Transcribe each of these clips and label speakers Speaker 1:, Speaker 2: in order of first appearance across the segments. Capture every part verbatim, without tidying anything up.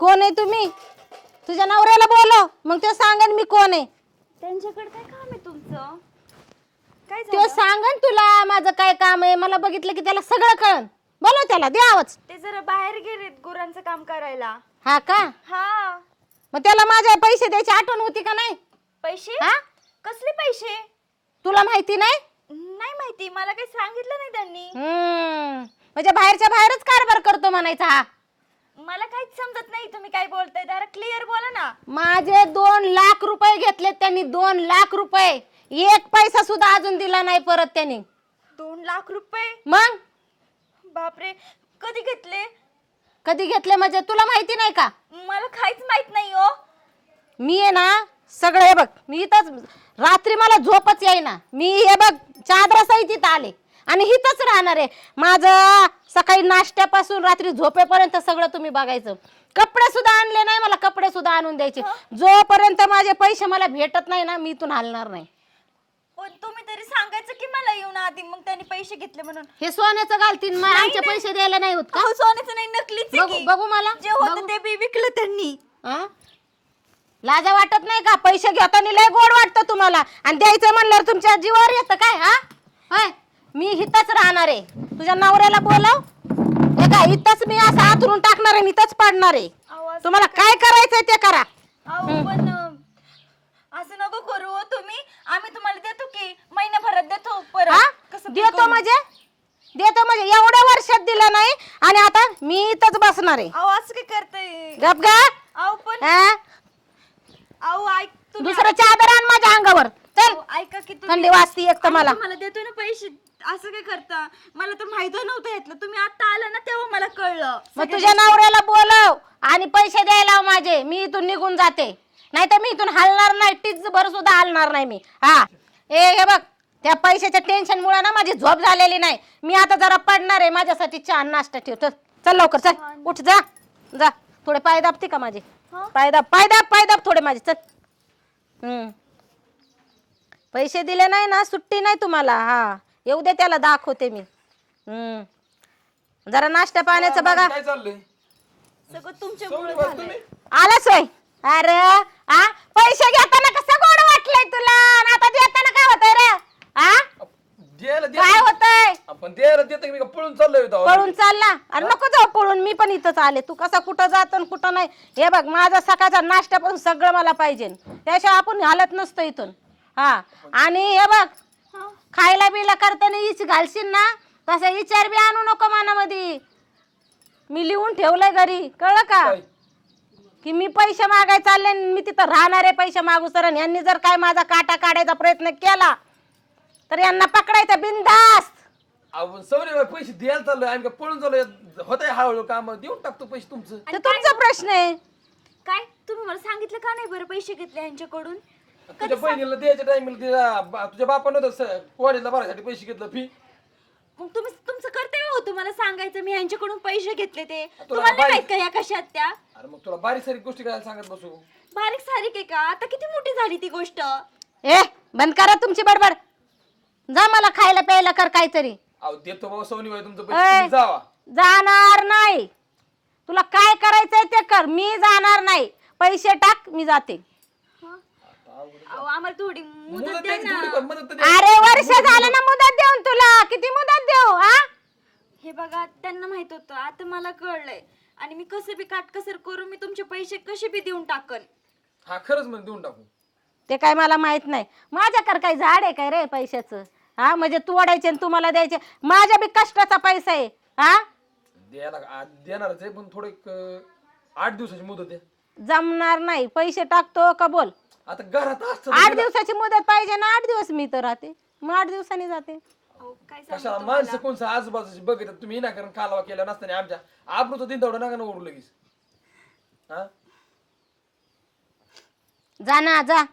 Speaker 1: कोण आहे तुम्ही? तुझ्या नवऱ्याला बोलव, मग ते सांगन मी कोण आहे.
Speaker 2: त्यांच्याकडे काय काम आहे तुमचं? काय
Speaker 1: तो
Speaker 2: झालं?
Speaker 1: सांगन तुला माझं काय काम आहे. मला बघितलं की त्याला सगळं कळन. बोलव त्याला, दे आवाज.
Speaker 2: ते जरा बाहेर गेलेत गुरांचं काम करायला.
Speaker 1: हा का?
Speaker 2: हा.
Speaker 1: मग त्याला माझे पैसे द्यायची आठवण होती का नाही?
Speaker 2: पैसे?
Speaker 1: हा?
Speaker 2: कसले पैसे?
Speaker 1: तुला माहिती नाही?
Speaker 2: नाही माहिती, मला काही सांगितलं नाही त्यांनी.
Speaker 1: हम्म म्हणजे बाहेरच्या बाहेरच कारभार करतो म्हणायचा हा.
Speaker 2: मला काहीच समजत नाही तुम्ही काय बोलताय. जरा क्लिअर बोला ना.
Speaker 1: माझे दोन लाख रुपये घेतलेत त्यांनी. दोन लाख रुपये. एक पैसा सुद्धा अजून दिला नाही परत त्यांनी.
Speaker 2: दोन लाख रुपये?
Speaker 1: मग
Speaker 2: बापरे, कधी घेतले?
Speaker 1: कधी घेतले म्हणजे तुला माहिती नाही का?
Speaker 2: मला काहीच माहित नाही हो.
Speaker 1: मी आहे ना सगळं हे बघ, मी इथंच रात्री मला झोपच येईना. मी हे बघ चादरा सहित इथं आले आणि इथंच राहणार आहे. माझं सकाळी नाश्त्यापासून रात्री झोपेपर्यंत सगळं तुम्ही बघायचं. कपडे सुद्धा आणले नाही, मला कपडे सुद्धा आणून द्यायचे. जोपर्यंत माझे पैसे मला भेटत नाही ना, मी इथून हलणार नाही.
Speaker 2: पण तुम्ही तरी सांगायचं की मला येऊन आधी, मग त्यांनी पैसे घेतले म्हणून.
Speaker 1: हे सोन्याचं घालतीन, मग आमचे
Speaker 2: नाही.
Speaker 1: पैसे द्यायला नाही होत का?
Speaker 2: अहो, सोन्याचं नाही, नकलीच आहे
Speaker 1: बघू
Speaker 2: की.
Speaker 1: बघू मला
Speaker 2: जे होतं
Speaker 1: बघू.
Speaker 2: ते बी विकलं त्यांनी.
Speaker 1: हा? लाजा वाटत नाही का? पैसे घेताना लय गोड वाटतं तुम्हाला, आणि द्यायचं म्हणल्यावर तुमच्या जीवावर येतं काय? हा होय, मी इथंच राहणार आहे. तुझ्या नवऱ्याला बोलव. हे काय इथंच मी असं आतरून टाकणार आहे, इथंच पाडणार आहे.
Speaker 2: आवाज-
Speaker 1: तुम्हाला काय करायचंय ते करा.
Speaker 2: अहो, पण अं, असं नको करू हो तुम्ही. आम्ही तुम्हाला देतो की महिन्याभरात देतो
Speaker 1: हा
Speaker 2: परत. कसं
Speaker 1: देतो
Speaker 2: करू?
Speaker 1: म्हणजे देतो म्हणजे एवढ्या वर्षात दिलं नाही, आणि आता मी इथंच बसणार आहे.
Speaker 2: अहो, असं काय करताय?
Speaker 1: गप गा.
Speaker 2: अहो पण
Speaker 1: हा?
Speaker 2: अहो ऐक तुम्ही.
Speaker 1: दुसरं चादर आण माझ्या अंगावर. चल,
Speaker 2: अहो, ऐका की तुम्ही.
Speaker 1: थंडी वाजती एक तर
Speaker 2: आम्ही
Speaker 1: मला.
Speaker 2: तुम्हाला देतो ना पैसे. असं काय करता? मला तर माहित नव्हतं यातलं. तुम्ही आता आला ना तेव्हा मला कळलं.
Speaker 1: मग तुझ्या नवऱ्याला बोलव आणि पैसे द्यायला लाव माझे. मी इथून निघून जाते, नाही तर मी इथून हलणार नाही. टीच भर सुद्धा हलणार नाही मी. हा ए हे बघ, त्या पैशाच्या टेन्शन मुळे ना माझी झोप झालेली नाही. मी आता जरा पडणार आहे. माझ्यासाठी चहा नाश्ता ठेव. चल चल लवकर, चल उठ, जा जा. थोडे पाय दाबते का माझे?
Speaker 2: हा?
Speaker 1: पाय दाब, पाय दाब, पाय दाब थोडे माझे. चल. हम्म पैसे दिले नाही ना, सुट्टी नाही तुम्हाला. हा येऊ दे, त्याला दाखवते मी. हम्म जरा नाश्ता पाण्याचं बघा.
Speaker 3: काय चाललंय?
Speaker 2: सगळं तुमच्या
Speaker 3: सगळे बस तुम्ही.
Speaker 1: आलाच होय. अरे आ पैसे घेताना कसं गोड वाटलंय तुला, आणि आता देताना काय होतंय रे? आ
Speaker 3: द्यायला
Speaker 1: काय
Speaker 3: देतो.
Speaker 1: होतंय?
Speaker 3: आपण द्यायला देतो की मी का पळून चाललोय इथं?
Speaker 1: पळून चालला? अरे नको जाऊ पळून, मी पण इथंच आले. तू कसा कुठं जातो आणि कुठं नाही. हे बघ, माझा सकाळचा नाश्त्यापासून सगळं मला पाहिजे, त्याशिवाय आपण हालत नसतो इथून. हा आणि हे बघ,
Speaker 2: हा?
Speaker 1: खायला बिला करताना इच घालशील ना, तसा विचार बी आणू नको मनामध्ये. मी लिहून ठेवलंय घरी, कळलं का?
Speaker 3: काय?
Speaker 1: की मी पैसे मागाय चालले आणि मी तिथं राहणार आहे पैसे मागू सर. आणि यांनी जर काय माझा काटा काढायचा प्रयत्न केला तर यांना पकडायचं बिनधास्त.
Speaker 3: आपण सवरे पैसे द्यायला चाललोय, आम्ही का पळून चाललोय? होत आहे हळूहळू काम, देऊन टाकतो पैसे तुमचं.
Speaker 1: तर तुमचा प्रश्न आहे.
Speaker 2: काय तुम्ही मला सांगितलं का नाही बरं पैसे घेतले यांच्याकडून?
Speaker 3: तुझ्या बहिणीला द्यायच्या टाइमला तुझ्या बापानं होतं कॉलेजला भरायसाठी पैसे घेतलं फी.
Speaker 2: मग तुम्ही तुमचं कर्तव्य होतं मला सांगायचं मी यांच्याकडून पैसे घेतले ते.
Speaker 3: तुला
Speaker 2: तुम्हाला नाही
Speaker 3: बाई-
Speaker 2: माहित का या कशात त्या?
Speaker 3: अरे मग तुला बारीक सारीक गोष्टी करायला सांगत बसू?
Speaker 2: बारीक सारीक आहे का? आता किती मोठी झाली ती गोष्ट.
Speaker 1: ए बंद करा तुमची बडबड. जा मला खायला प्यायला कर काहीतरी.
Speaker 3: अहो देतो बाबा सोनी बाई तुमचं
Speaker 1: ए,
Speaker 3: पैसे, तुम्ही जावा.
Speaker 1: जाणार नाही. तुला काय करायचंय ते कर, मी जाणार नाही. पैसे टाक, मी जाते.
Speaker 2: अहो, आम्हाला थोडी मुदत
Speaker 3: मुदत
Speaker 2: द्या
Speaker 3: द्यायची,
Speaker 2: ना.
Speaker 3: थोडी पण मदत तर द्या.
Speaker 1: अरे वर्ष झालं ना मुदत देऊन तुला. किती मुदत देऊ? हा
Speaker 2: हे बघा, त्यांना माहित होतं, आता मला कळलंय. आणि मी कसं बी काटकसर करून मी तुमचे पैसे कसे बी देऊन टाकन.
Speaker 3: हा खरंच म्हणजे देऊन टाकू.
Speaker 1: ते काय मला माहित नाही. माझ्याकडे काय झाड आहे काय रे पैशाचं? हा म्हणजे तोडायचे आणि तुम्हाला द्यायचे. माझ्या बी कष्टाचा पैसा आहे. हा
Speaker 3: द्यायला आ- देणारच आहे, पण थोडं एक, अं, आठ दिवसाची मुदत द्या.
Speaker 1: जमणार नाही. पैसे टाकतो का बोल?
Speaker 3: आता घरात असतं
Speaker 1: आठ दिवसाची मुदत पाहिजे ना. आठ दिवस मी तर राहते, मग आठ दिवसांनी जाते.
Speaker 2: अहो, काय सांगू
Speaker 3: कशाला
Speaker 2: तुम्हाला?
Speaker 3: माणसं कोणचं आजूबाजूची बघितलं तुम्ही ना, कारण कालवा केला नसताना आमच्या आबरूचं दिन तेवढं नका ना ओढू लगेच. हा
Speaker 1: जा ना जा.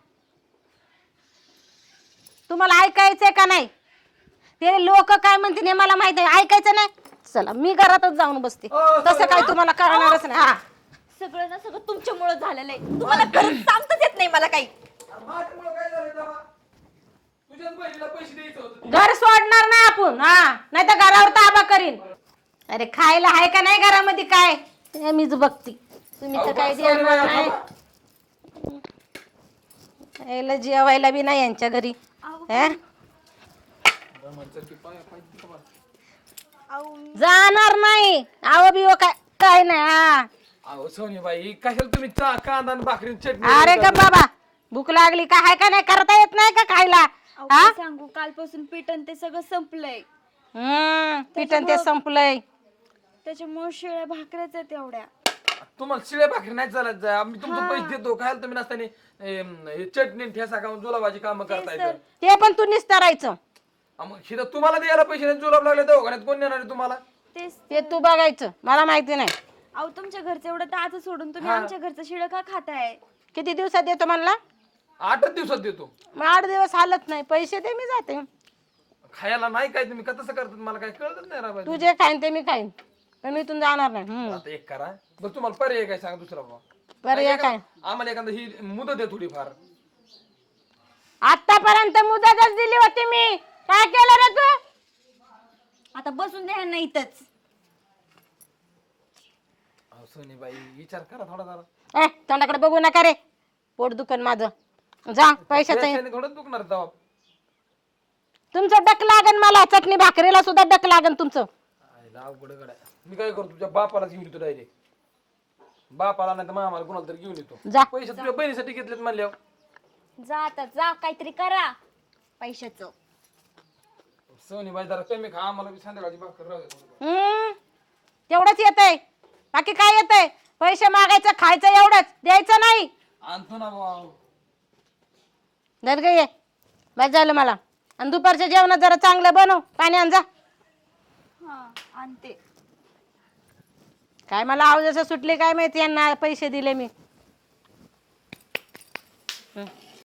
Speaker 1: तुम्हाला ऐकायचंय का नाही? ते लोक काय म्हणतील हे मला माहित आहे. ऐकायचं नाही. चला मी घरातच जाऊन बसते.
Speaker 3: अ,
Speaker 1: तसं काय तुम्हाला कळणारच नाही. हा
Speaker 2: सगळं ना सगळं तुमच्यामुळे झालेलं आहे. तुम्हाला खरंच सांगताच येत नाही मला काही.
Speaker 3: अरे माझ्यामुळं काय झालंय तेव्हा? तुझ्याच बहिणीला पैसे द्यायचं होतं.
Speaker 1: घर सोडणार ना आपण. हा नाही तर घरावर ताबा करीन. अरे खायला आहे का नाही घरामध्ये काय? हे मीच बघती. तुम्ही तर काय देणार नाही. यायला जेवायला बी नाही यांच्या घरी.
Speaker 2: अहो
Speaker 1: हे?
Speaker 3: म्हणतात की पाय पाय तिथं बघ.
Speaker 2: अहो
Speaker 1: जाणार नाही. आव बिव काय काय नाही. हा.
Speaker 3: अहो सोनीबाई कशाला तुम्ही चा कांदा आणि भाकरी आणि चटणी
Speaker 1: अरे ग बाबा भूक लागली का हाय का नाही करता येत नाही का खायला.
Speaker 2: अहो, काय सांगू कालपासून पिटन ते सगळं संपलंय.
Speaker 1: हम्म पिटन ते संपलंय.
Speaker 2: त्याच्यामुळे शिळ्या भाकऱ्याच आहेत एवढ्या.
Speaker 3: तुम्हाला शिळे भाकरी नाही चालत जा आम्ही तुमचे पैसे देतो खायला तुम्ही नसताना एम, हे चटणी आणि ठेसा खाऊन जुलाबाची कामं करता येतं.
Speaker 1: ते पण तू निस्तारायचं.
Speaker 3: आ मग शिदा तुम्हाला द्यायला पैसे नाही जुलाब लागले दवाखान्यात कोण देणार आहे तुम्हाला?
Speaker 2: तेच
Speaker 1: ते तू बघायचं मला माहिती नाही.
Speaker 2: अहो तुमच्या घरचं एवढं ताज सोडून तुम्ही आमच्या घरचं शिळ का खाताय?
Speaker 1: किती दिवसात देतो म्हणला?
Speaker 3: आठच दिवसात देतो.
Speaker 1: मग आठ दिवस हालत नाही पैसे दे मी जाते.
Speaker 3: खायला नाही काय तुम्ही का तसं करतात मला काय कळतच नाही राव.
Speaker 1: तू जे खाईन ते मी खाईन पण मी इथून जाणार नाही. हम्म.
Speaker 3: आता एक करा बरं तुम्हाला पर्याय काय सांगा दुसरा बाबा.
Speaker 1: पर्याय काय?
Speaker 3: आम्हाला एखादा ही मुदत आहे थोडीफार.
Speaker 1: आतापर्यंत मुदतच दिली होती मी. काय केलं रे तू?
Speaker 2: आता बसून द्या ना इथंच.
Speaker 3: अहो सोनीबाई विचार करा थोडा जरा.
Speaker 1: ए तोंडाकडे बघू नका रे. पोट दुखन माझं. जा पैशाचं.
Speaker 3: पैशाने थोडं दुखणार दवा.
Speaker 1: तुमचं डक लागन मला. चटणी भाकरीला सुद्धा डक लागन तुमचं.
Speaker 3: आईला अवघड गड्या. मी काय करतो तुझ्या बापालाच घेऊन येतो डायरेक्ट. बापाला नाही तर मामाला कोणाला तरी घेऊन येतो.
Speaker 1: जा.
Speaker 3: पैसे तुझ्या बहिणीसाठी घेतलेत म्हणल्यावर.
Speaker 2: जा आता जा काहीतरी करा पैशाचं.
Speaker 3: सोनीबाई जरा कमी खा आम्हाला बी संध्याकाळची भाकर राहू दे.
Speaker 1: हम्म तेवढंच येतंय. बाकी काय येतंय? पैसे मागायचं खायचं एवढंच द्यायचं नाही.
Speaker 3: आणतो ना भाऊ.
Speaker 1: धर गे ये. बस झालं मला. आणि दुपारच्या जेवणात जरा चांगलं बनव. पाणी आण जा.
Speaker 2: हा आणते.
Speaker 1: काय मला आवाज असं सुटले काय माहिती यांना पैसे दिले मी. हं.